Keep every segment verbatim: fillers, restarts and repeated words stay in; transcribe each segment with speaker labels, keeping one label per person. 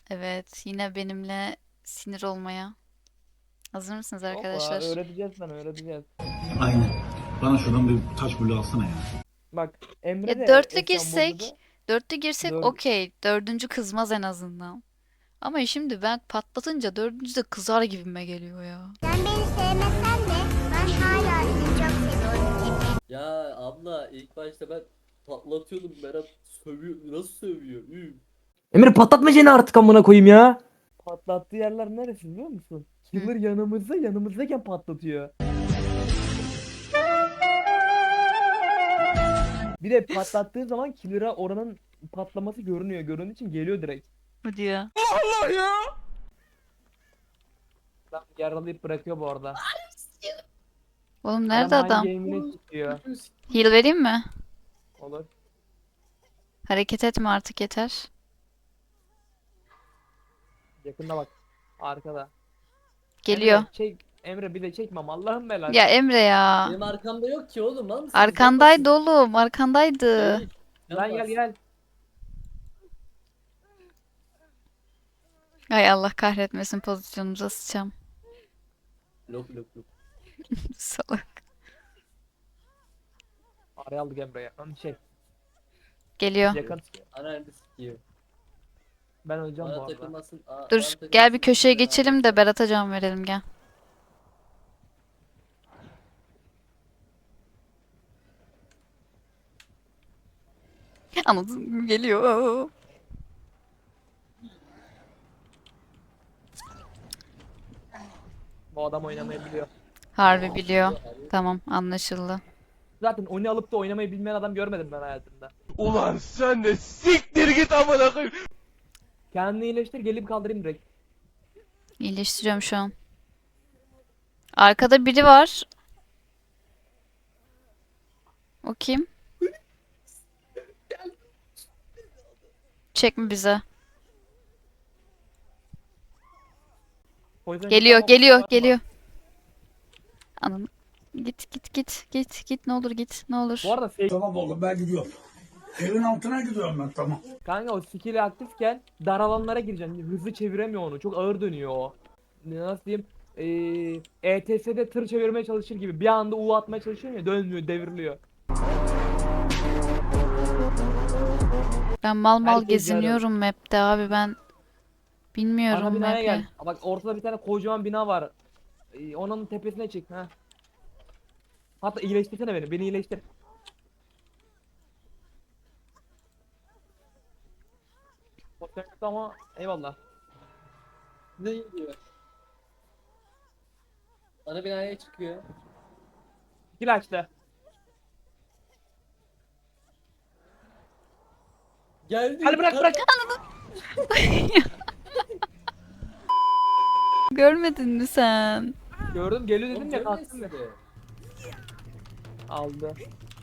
Speaker 1: Evet, yine benimle sinir olmaya. Hazır mısınız
Speaker 2: Yok ya,
Speaker 1: arkadaşlar?
Speaker 2: öğreteceğiz sana, öğreteceğiz.
Speaker 3: Aynen. Bana şuradan bir taş bulu alsana ya.
Speaker 2: Bak, Emre
Speaker 1: Ya
Speaker 2: de
Speaker 1: dörtlü
Speaker 2: eskiden
Speaker 1: girsek,
Speaker 2: Bolu'da
Speaker 1: dörtlü girsek
Speaker 2: dört.
Speaker 1: okey. Dördüncü kızmaz en azından. Ama şimdi ben patlatınca dördüncü de kızar gibime geliyor ya.
Speaker 4: Sen beni sevmesen de ben hala seni çok seviyorum.
Speaker 5: Ya abla ilk başta ben patlatıyordum, Berat sövüyor, nasıl sövüyor? Üf.
Speaker 6: Emir patlatmayacaksın artık amına koyayım ya.
Speaker 2: Patlattığı yerler neresi biliyor musun?
Speaker 1: Hı.
Speaker 2: Killer yanımızda, yanımızdayken patlatıyor. Bir de patlattığı zaman Killer'a oranın patlaması görünüyor. Göründüğü için geliyor direkt.
Speaker 1: Bu diyor.
Speaker 2: Lan yaralayıp bırakıyor bu arada.
Speaker 1: Oğlum nerede
Speaker 2: Adam
Speaker 1: adam?
Speaker 2: hangi game'ine çıkıyor.
Speaker 1: Heal vereyim mi?
Speaker 2: Olur.
Speaker 1: Hareket etme artık yeter.
Speaker 2: Yakında bak. Arkada.
Speaker 1: Geliyor.
Speaker 2: Emre çek. Emre bir de çekmem Allah'ım belası.
Speaker 1: Ya Emre ya.
Speaker 5: Benim arkamda yok ki oğlum, lan mısınız?
Speaker 1: Arkandaydı oğlum, arkandaydı.
Speaker 5: Değil.
Speaker 2: Lan gel gel.
Speaker 1: Ay Allah kahretmesin, pozisyonumuza sıçacağım.
Speaker 5: Lok lok lok.
Speaker 1: Salak.
Speaker 2: Araya aldık Emre'ye. Lan şey.
Speaker 1: Geliyor.
Speaker 2: Yakın.
Speaker 5: Ananı sikiyor.
Speaker 2: Ben öleceğim bu
Speaker 5: Bana
Speaker 2: arada.
Speaker 5: takılmasın. Aa, bana
Speaker 1: Dur
Speaker 5: takılmasın
Speaker 1: gel bir köşeye
Speaker 5: ya.
Speaker 1: geçelim de Berat'a can verelim gel. Anladın, geliyor.
Speaker 2: Bu adam oynamayı biliyor.
Speaker 1: Harbi biliyor. Tamam, anlaşıldı.
Speaker 2: Zaten oyunu alıp da oynamayı bilmeyen adam görmedim ben hayatımda.
Speaker 7: Ulan sen de siktir git amına koyayım.
Speaker 2: Kendini iyileştir, gelip kaldırayım direkt.
Speaker 1: İyileştiriyorum şu an. Arkada biri var. O kim? Çekme bize.
Speaker 2: O yüzden
Speaker 1: Geliyor,
Speaker 2: tamam,
Speaker 1: geliyor,
Speaker 2: kusura bakma.
Speaker 1: geliyor. Ananı. Git, git, git, git, git. Ne olur git, ne olur.
Speaker 2: Bu arada fake,
Speaker 3: Tamam oğlum ben gidiyorum. Evin altına gidiyorum ben tamam.
Speaker 2: kanka o skill'i aktifken dar alanlara gireceksin. Hızlı çeviremiyor onu. Çok ağır dönüyor o. Nasıl diyeyim? Ee, E T S'de tır çevirmeye çalışır gibi. Bir anda U atmaya çalışıyor ya, dönmüyor, devriliyor.
Speaker 1: Ben mal mal
Speaker 2: Herkes
Speaker 1: geziniyorum map'te abi, ben
Speaker 2: Ana
Speaker 1: bilmiyorum
Speaker 2: binaya
Speaker 1: map'i.
Speaker 2: gel. Bak ortada bir tane kocaman bina var. Ee, onun tepesine çık ha. Hatta iyileştirsene beni. Beni iyileştir. Fotoğrafta ama eyvallah.
Speaker 5: Ne gidiyor? Ana binaya çıkıyor.
Speaker 2: Skill açtı.
Speaker 5: Geldi.
Speaker 2: Hadi bırak bırak.
Speaker 1: Görmedin mi sen?
Speaker 2: Gördüm, geliyor
Speaker 5: Oğlum
Speaker 2: dedim ya,
Speaker 5: görmeyin
Speaker 2: kalktım ya.
Speaker 5: sizi.
Speaker 2: Aldı.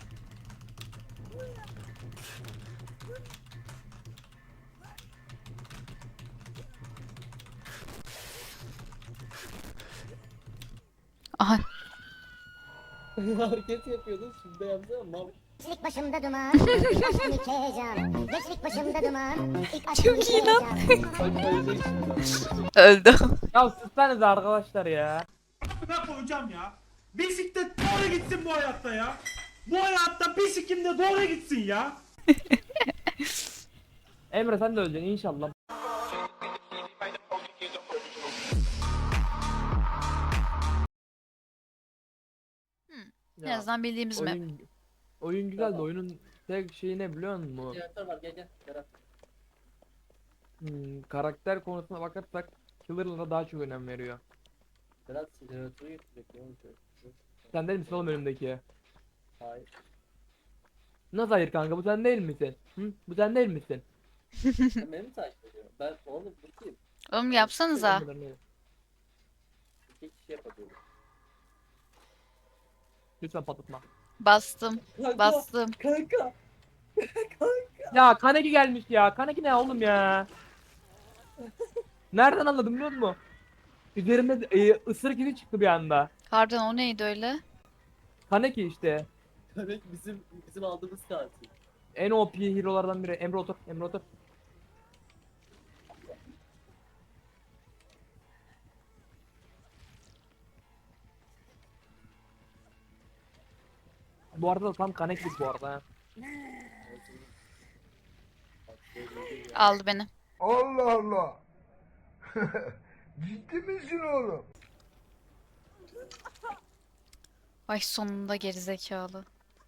Speaker 1: Aha,
Speaker 5: Hareket yapıyordun, şimdi de yapsana mal.
Speaker 4: Gençlik başımda duman, ilk aşkım ilk heyecan. Gençlik başımda duman, ilk aşkım ilk heyecan.
Speaker 5: Bak ölecek şimdi.
Speaker 1: öldü.
Speaker 2: Ya sussanız arkadaşlar ya.
Speaker 7: Ne koyacağım ya? Bisiklet doğru gitsin bu hayatta ya. Bu hayatta bisiklet de doğru gitsin ya.
Speaker 2: Emre sen de öleceksin inşallah.
Speaker 1: En azından bildiğimiz map.
Speaker 2: oyun, oyun güzel de oyunun tek şeyi ne biliyor musun?
Speaker 5: Jeneratör var, gel gel. Berat.
Speaker 2: Hmm, karakter konusuna bakarsak Killer'lara daha çok önem veriyor.
Speaker 5: Berat jeneratörü getirecek. Ne olacak?
Speaker 2: Sen değil misin oğlum önümdeki?
Speaker 5: Hayır.
Speaker 2: Nasıl hayır kanka, bu sen değil misin? Hı? Bu sen değil misin?
Speaker 5: Sen beni mi takip ediyorsun? Ben oğlum bu kim?
Speaker 1: Oğlum yapsanıza.
Speaker 5: İki kişi yapabiliyorum.
Speaker 2: Lütfen patlatma.
Speaker 1: Bastım,
Speaker 5: Kanka,
Speaker 1: bastım.
Speaker 5: kanka.
Speaker 2: Ya Kaneki gelmiş ya. Kaneki ne oğlum ya? Nereden anladım biliyor musun? Üzerimde e, ısırık izi çıktı bir anda.
Speaker 1: Harbiden o neydi öyle?
Speaker 2: Kaneki işte.
Speaker 5: Demek bizim bizim aldığımız katil.
Speaker 2: En O P hero'lardan biri. Emre otur. Emre otur. Bu arada da tam connected bu arada ha.
Speaker 1: Aldı beni.
Speaker 3: Allah Allah. Ciddi misin oğlum?
Speaker 1: Ay sonunda gerizekalı.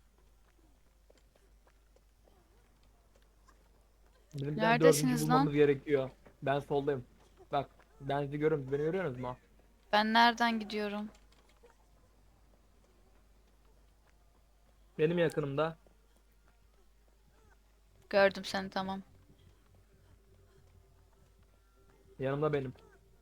Speaker 2: Bizim bir
Speaker 1: Neredesiniz
Speaker 2: dördüncü
Speaker 1: lan?
Speaker 2: bulmamız gerekiyor. Ben soldayım. Bak ben sizi görüyorum. Beni görüyorsunuz mu?
Speaker 1: Ben nereden gidiyorum?
Speaker 2: Benim yakınımda.
Speaker 1: Gördüm seni, tamam.
Speaker 2: Yanımda benim.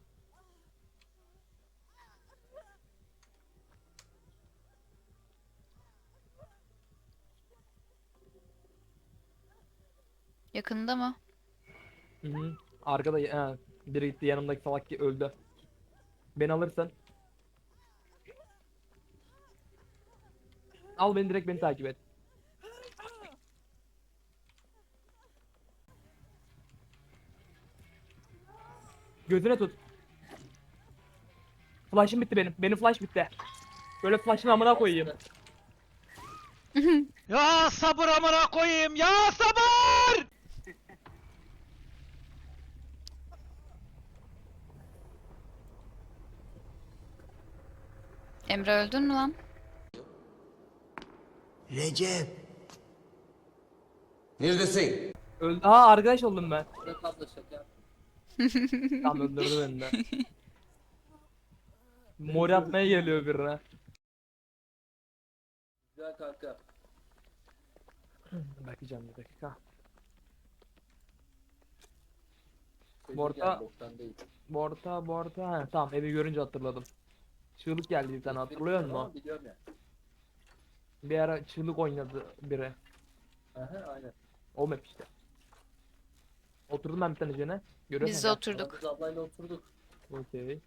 Speaker 1: Yakında mı?
Speaker 2: Hı hı. Arkada he, biri gitti, yanımdaki salak ki öldü. Beni alırsın. Al beni, direkt beni takip et. Gözüne tut. Flash'ım bitti benim. Benim flash bitti. Böyle flash'ın amına koyayım.
Speaker 8: Ya sabır amına koyayım ya sabır!
Speaker 1: Emre öldün mü lan?
Speaker 3: Recep.
Speaker 9: Neredesin?
Speaker 2: Öldü. Aa, arkadaş oldum ben.
Speaker 5: Bırak abla şaka.
Speaker 2: Tam öldürdü beni de. Mor atmaya geliyor birine.
Speaker 5: Güzel kanka.
Speaker 2: Bakacağım bir dakika.
Speaker 5: Senin
Speaker 2: Bu arada-
Speaker 5: gel, boktan değil.
Speaker 2: Borta borta. Ha, tamam, evi görünce hatırladım. Çığlık geldi bir tane, hatırlıyor
Speaker 5: Tamam,
Speaker 2: musun?
Speaker 5: biliyorum ya.
Speaker 2: Bir ara çığlık oynadı biri.
Speaker 5: Aha aynen.
Speaker 2: O map işte. Oturdum ben bir tane üzerine. Görüyorsun
Speaker 1: Biz de
Speaker 2: ya.
Speaker 1: oturduk.
Speaker 5: Biz ablayla oturduk.
Speaker 2: Okey.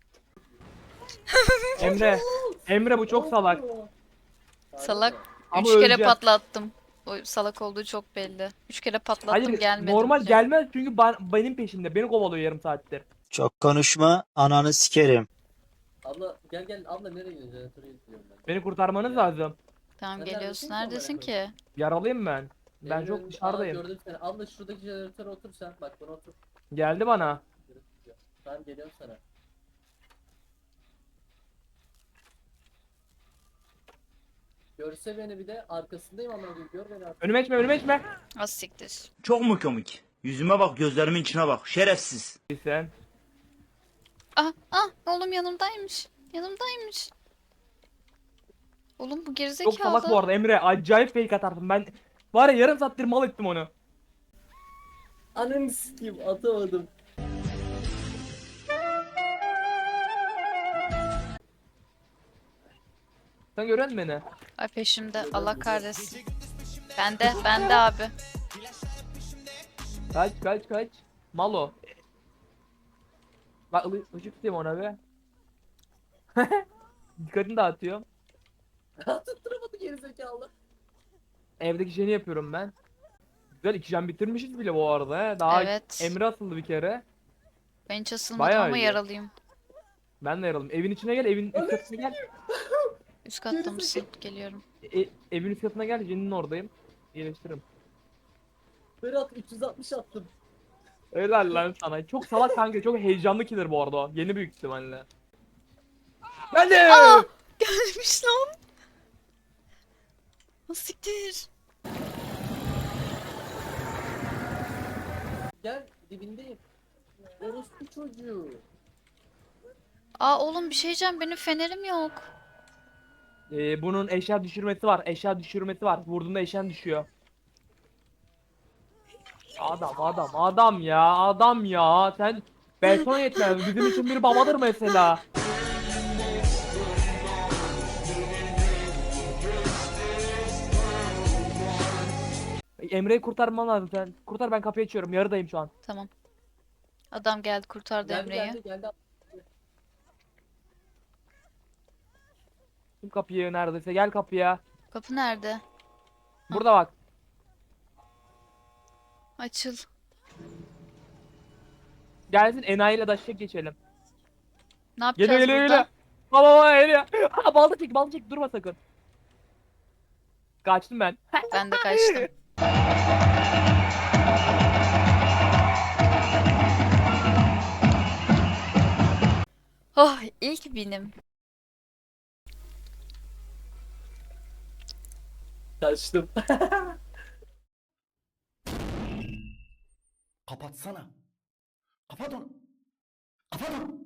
Speaker 2: Emre. Emre bu çok salak.
Speaker 1: Salak.
Speaker 2: Ama
Speaker 1: Üç kere
Speaker 2: öleceğim.
Speaker 1: patlattım. O salak olduğu çok belli. Üç kere patlattım,
Speaker 2: Hayır,
Speaker 1: gelmedi.
Speaker 2: normal
Speaker 1: bize.
Speaker 2: gelmez çünkü ben, benim peşimde. Beni kovalıyor yarım saattir.
Speaker 8: Çok konuşma ananı sikerim.
Speaker 5: Abla gel gel, abla nereye gidiyorsun? Jeneratöre gidiyorum ben.
Speaker 2: Beni kurtarmanız lazım.
Speaker 1: Tamam,
Speaker 5: Sen
Speaker 1: geliyorsun.
Speaker 5: neredesin ki
Speaker 1: Neredesin ki?
Speaker 2: Yaralıyım ben. Ben
Speaker 5: Emre
Speaker 2: çok
Speaker 5: önümde-
Speaker 2: dışarıdayım.
Speaker 5: Aa, gördüm seni. Abla şuradaki jeneratöre otur sen. Bak bana otur.
Speaker 2: Geldi bana.
Speaker 5: Ben geliyorum sana. Görse beni, bir de arkasındayım ama gör beni artık.
Speaker 2: Önüme içme, önüme içme.
Speaker 1: Az siktir.
Speaker 8: Çok mu komik? Yüzüme bak, gözlerimin içine bak. Şerefsiz.
Speaker 2: Sen.
Speaker 1: Ah ah, oğlum yanımdaymış. Yanımdaymış. Oğlum bu
Speaker 2: Çok
Speaker 1: gerizekalı.
Speaker 2: salak bu arada Emre. Acayip fake atarsın. Ben var ya, yarım saattir mal ettim onu.
Speaker 5: Ananı sikeyim, atamadım.
Speaker 2: Sen görüyor musun beni?
Speaker 1: Ay peşimde, Allah kahretsin. Bende, bende abi.
Speaker 2: Kaç kaç kaç. Malo. Bak ı- ışık tutayım ona be. Dikkatini dağıtıyorum.
Speaker 5: Tutturamadı gerizekalı.
Speaker 2: Evdeki şeyini yapıyorum ben. Güzel, iki can bitirmişiz bile bu arada he. Daha
Speaker 1: Evet.
Speaker 2: Emre asıldı bir kere.
Speaker 1: Ben hiç asılmadım
Speaker 2: Bayağı
Speaker 1: ama
Speaker 2: iyi.
Speaker 1: yaralıyım.
Speaker 2: Ben de yaralım. Evin içine gel, evin üst katına gel.
Speaker 1: Üst katta mısın? Geliyorum.
Speaker 2: E, evin üst katına gel, Jen'in oradayım. İyileştiririm.
Speaker 5: Berat üç yüz altmış attım.
Speaker 2: Helal lan sana. Çok salak kanka, çok heyecanlı killer bu arada o. Yeni büyük ihtimalle. Geldi!
Speaker 1: Gelmiş lan. O siktir.
Speaker 5: Gel dibindeyim. Orospu çocuğu.
Speaker 1: Aa oğlum bir şey diyeceğim, benim fenerim yok.
Speaker 2: Ee, bunun eşya düşürmesi var. Eşya düşürmesi var. Vurduğunda eşyan düşüyor. Adam adam adam ya, adam ya. Sen beton yetmez. Bizim için bir babadır mesela. Emre'yi kurtarman lazım sen. Kurtar, ben kapıyı açıyorum. Yarıdayım şu an.
Speaker 1: Tamam. Adam geldi, kurtardı
Speaker 5: Geldi
Speaker 1: Emre'yi.
Speaker 5: geldi geldi.
Speaker 2: Kim kapıyı neredeyse, gel kapıya.
Speaker 1: Kapı nerede?
Speaker 2: Burada bak.
Speaker 1: Açıl.
Speaker 2: Gelsin, enayiyle daşacak geçelim.
Speaker 1: Ne yapacağız
Speaker 2: Geliyor geliyor
Speaker 1: burada?
Speaker 2: geliyor. Baba baba geliyor. Ha, balta çek balta çek, durma sakın. Kaçtım ben.
Speaker 1: Ben de kaçtım. Oh, ilk binim.
Speaker 5: Kaçtım.
Speaker 3: Kapatsana. Kapat onu. Kapat onu.